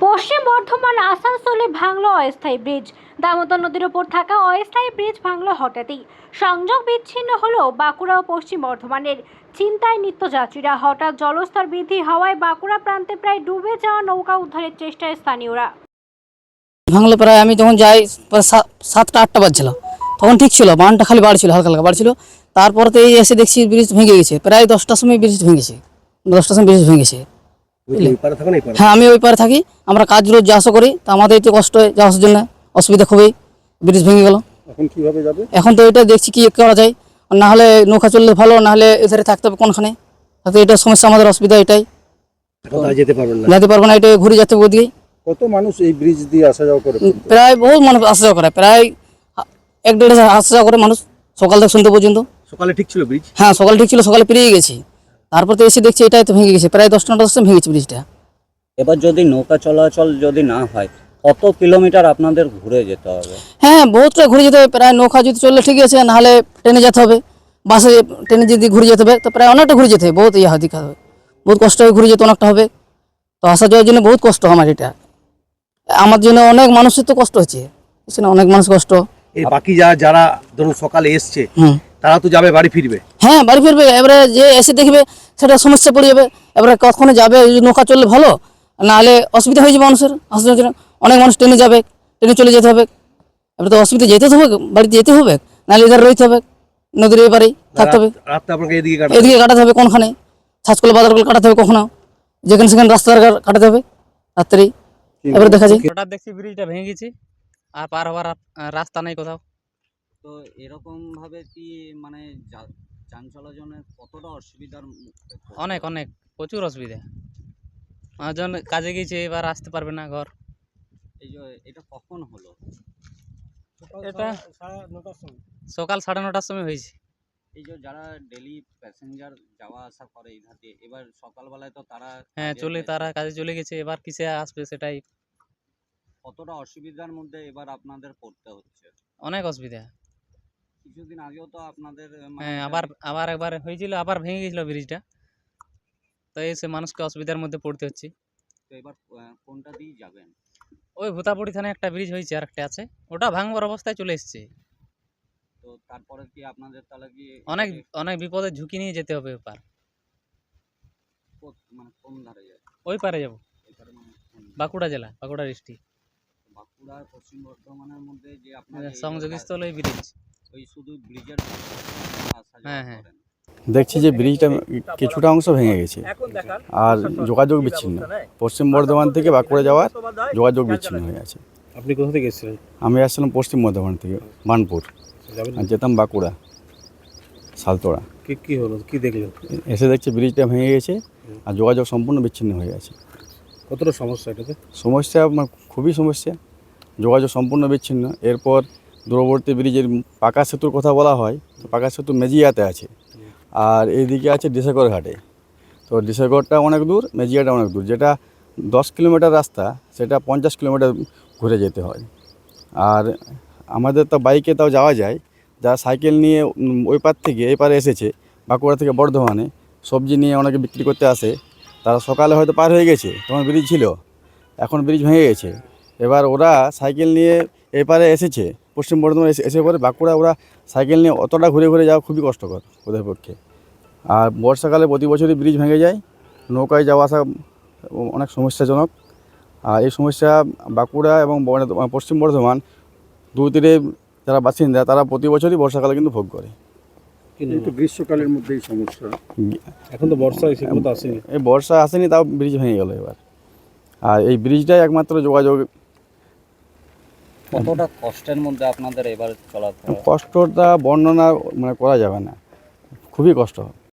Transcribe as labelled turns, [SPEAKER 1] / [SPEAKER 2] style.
[SPEAKER 1] পশ্চিম বর্ধমান আসানসোলে ভাঙল অস্থায়ী ব্রিজ। দামোদর নদীর উপর থাকা অস্থায়ী ব্রিজ ভাঙল হঠাৎই। সংযোগ বিচ্ছিন্ন হলো বাঁকুড়া ও পশ্চিম বর্ধমানের। চিন্তায় নিত্যযাত্রীরা। হঠাৎ জলস্তর বৃদ্ধি হওয়ায় বাঁকুড়া প্রান্তে প্রায় ডুবে যাওয়া নৌকা উদ্ধারের চেষ্টায় স্থানীয়রা।
[SPEAKER 2] ভাঙলো প্রায় আমি যখন যাই প্রায় 7টা 8টা বাজছিল, তখন ঠিক ছিল, বানটা খালি বাড়ছিল, হালকা হালকা বাড়ছিল। তারপরে তো এই এসে দেখছি ব্রিজ ভেঙে গেছে, প্রায় 10টার সময় ব্রিজ ভেঙেছে, 10টার সময় ব্রিজ ভেঙেছে। হ্যাঁ, আমি ওই পারে থাকি, আমরা কাজ রোজ যা আসা করি, তা আমাদের তো কষ্ট হয় যাওয়ার জন্য, অসুবিধা খুবই। ব্রিজ ভেঙে গেল,
[SPEAKER 3] এখন কিভাবে যাবে?
[SPEAKER 2] এখন তো এটা দেখছি কি করা যায়, না হলে নৌকা চললে ভালো, না হলে এধারে থাকতে হবে কোনখানে। তাতে এটা সমস্যা, আমাদের অসুবিধা এটাই,
[SPEAKER 3] যেতে পারবেন না,
[SPEAKER 2] যেতে পারবো না, এটা ঘুরে যেতে হবে ওদিকেই।
[SPEAKER 3] কত মানুষ এই ব্রিজ দিয়ে আসা যাওয়া করে?
[SPEAKER 2] প্রায় বহু মানুষ আসা যাওয়া করে, প্রায় 1-1.5 আসা যাওয়া করে মানুষ, সকাল থেকে সন্ধ্যে পর্যন্ত।
[SPEAKER 3] সকালে ঠিক ছিল ব্রিজ?
[SPEAKER 2] হ্যাঁ, সকালে ঠিক ছিল, সকালে পেরিয়ে গেছি। তারপর তো এসে দেখছি এটাই তো ভেঙে গেছে, প্রায় 10টা 9টার সময় ভেঙেছে ব্রিজটা।
[SPEAKER 4] এবার যদি নৌকা চলাচল যদি না হয়, কত কিলোমিটার আপনাদের ঘুরে যেতে হবে?
[SPEAKER 2] হ্যাঁ, বহুতটা ঘুরে যেতে হবে, প্রায় নৌকা যদি চললে ঠিক আছে, নাহলে ট্রেনে যেতে হবে, বাসে ট্রেনে যদি ঘুরে যেতে হবে তো প্রায় অনেকটা ঘুরে যেতে হবে, বহুত দিকে হবে, বহুত কষ্ট হয়ে ঘুরে যেতে অনেকটা হবে। তো আসা যাওয়ার জন্য বহুত কষ্ট আমার, এটা আমার জন্য অনেক মানুষের তো কষ্ট হচ্ছে, অনেক মানুষ কষ্ট।
[SPEAKER 3] এই বাকি যারা ধরুন সকালে এসছে, তারা তো যাবে, বাড়ি ফিরবে।
[SPEAKER 2] হ্যাঁ, বাড়ি ফিরবে, এবারে যে এসে দেখবে সেটা সমস্যা পড়ে যাবে। এবারে কখনো যাবে, নৌকা চললে ভালো, নাহলে অসুবিধা হয়ে যাবে মানুষের আসার জন্য। অনেক মানুষ ট্রেনে যাবে, ট্রেনে চলে যেতে হবে, এবারে তো অসুবিধা, যেতে হবে, বাড়িতে যেতে হবে, নাহলে এধারে রইতে হবে, নদীর এবারেই থাকতে হবে।
[SPEAKER 3] রাতটা আপনাকে এদিকে
[SPEAKER 2] কাটাতে হবে, কোনখানে ছাঁচকল বাজারগুলো কাটাতে হবে, কখনো যেখানে সেখানে রাস্তার কাটাতে হবে রাত্রেই। এবারে দেখা যায়
[SPEAKER 5] হঠাৎ দেখছি ব্রিজটা ভেঙে গেছে, আর পার হওয়ার রাস্তা নেই কোথাও।
[SPEAKER 4] তো এরকম ভাবে কি মানে যান চলাচলের কতটা অসুবিধার মুখে পড়তে
[SPEAKER 5] অনেক
[SPEAKER 4] হবে?
[SPEAKER 5] অনেক প্রচুর অসুবিধা। মানুষজন কাজে গেছে, এবার আসতে পারবে না ঘর।
[SPEAKER 4] এই যে এটা কখন হলো?
[SPEAKER 5] এটা সকাল 9:30টার সময় হয়েছে।
[SPEAKER 4] এই যে যারা ডেলি প্যাসেঞ্জার যাওয়া আসা করে এই ঘাটে, এবার সকালবেলায় তো তারা
[SPEAKER 5] হ্যাঁ, তারা কাজে চলে গেছে, এবার কিসে আসবে সেটাই।
[SPEAKER 4] কতটা অসুবিধার মধ্যে এবার আপনাদের পড়তে হচ্ছে?
[SPEAKER 5] অনেক অসুবিধা।
[SPEAKER 4] কিছুদিন আগেও তো আপনাদের
[SPEAKER 5] হ্যাঁ, আবার একবার হয়েছিল, আবার ভেঙে গেছিল ব্রিজটা। তো এসে মানুষকে অসুবিধার মধ্যে পড়তে হচ্ছে।
[SPEAKER 4] তো এবার কোনটা দিয়ে যাবেন?
[SPEAKER 5] ওই ভূতাপুরি থানায় একটা ব্রিজ হয়েছে, আর একটা আছে, ওটা ভাঙবার অবস্থায় চলে এসছে।
[SPEAKER 4] তো তারপরে কি আপনাদের তাহলে কি
[SPEAKER 5] অনেক অনেক বিপদের ঝুঁকি নিয়ে যেতে হবে ওপার।
[SPEAKER 4] মানে কোন ধারে যাবে?
[SPEAKER 5] ওই পারে যাবো,
[SPEAKER 4] এবারে মানে
[SPEAKER 5] বাঁকুড়া জেলা, বাঁকুড়া ডিস্ট্রিক্ট।
[SPEAKER 4] বাঁকুড়া আর পশ্চিম বর্ধমানের মধ্যে যে আপনাদের
[SPEAKER 5] সংযোগস্থল ওই ব্রিজ।
[SPEAKER 4] ওই শুধু ব্রিজের আসা যাওয়া
[SPEAKER 5] হ্যাঁ, হ্যাঁ।
[SPEAKER 4] করেন?
[SPEAKER 6] দেখছি যে ব্রিজটা কিছুটা অংশ ভেঙে গেছে আর যোগাযোগ বিচ্ছিন্ন, পশ্চিম বর্ধমান থেকে বাঁকুড়া যাওয়ার যোগাযোগ বিচ্ছিন্ন হয়ে আছে।
[SPEAKER 3] আপনি কোথা থেকে এসেছিলেন?
[SPEAKER 6] আমি আসছিলাম পশ্চিম বর্ধমান থেকে বানপুর, আর যেতাম বাঁকুড়া সালতোড়া।
[SPEAKER 3] কি হলো, কি দেখলেন?
[SPEAKER 6] এসে দেখছি ব্রিজটা ভেঙে গেছে আর যোগাযোগ সম্পূর্ণ বিচ্ছিন্ন হয়ে আছে।
[SPEAKER 3] কতটা সমস্যা এটাতে?
[SPEAKER 6] সমস্যা খুবই সমস্যা, যোগাযোগ সম্পূর্ণ বিচ্ছিন্ন। এরপর দূরবর্তী ব্রিজের পাকা সেতুর কথা বলা হয়, তো পাকা সেতু মেজিয়াতে আছে, আর এইদিকে আছে ডিসেগড় ঘাটে। তো ডিসেগড়টা অনেক দূর, মেজিয়াটা অনেক দূর, যেটা 10 কিলোমিটার রাস্তা সেটা 50 কিলোমিটার ঘুরে যেতে হয়। আর আমাদের তো বাইকে তাও যাওয়া যায়, যারা সাইকেল নিয়ে ওই পার থেকে এই পারে এসেছে বাঁকুড়া থেকে বর্ধমানে, সবজি নিয়ে অনেকে বিক্রি করতে আসে, তারা সকালে হয়তো পার হয়ে গেছে, তখন ব্রিজ ছিল, এখন ব্রিজ ভেঙে গেছে। এবার ওরা সাইকেল নিয়ে এপারে এসেছে পশ্চিম বর্ধমান, এসে পরে বাঁকুড়া ওরা সাইকেল নিয়ে অতটা ঘুরে ঘুরে যাওয়া খুবই কষ্টকর ওদের পক্ষে। আর বর্ষাকালে প্রতি বছরই ব্রিজ ভেঙে যায়, নৌকায় যাওয়া আসা অনেক সমস্যাজনক। আর এই সমস্যা বাঁকুড়া এবং পশ্চিম বর্ধমান দুই তীরে যারা বাসিন্দা তারা প্রতি বছরই বর্ষাকালে কিন্তু ভোগ করে।
[SPEAKER 3] কিন্তু গ্রীষ্মকালের মধ্যেই সমস্যা, এখন তো বর্ষা এসে কোথাও আসেনি।
[SPEAKER 6] এই বর্ষা আসেনি, তাও ব্রিজ ভেঙে গেল এবার। আর এই ব্রিজটাই একমাত্র যোগাযোগ।
[SPEAKER 4] কতটা কষ্টের মধ্যে আপনাদের এবার চলাফেরা?
[SPEAKER 6] কষ্টটা বর্ণনা করা যাবে না, খুবই কষ্ট।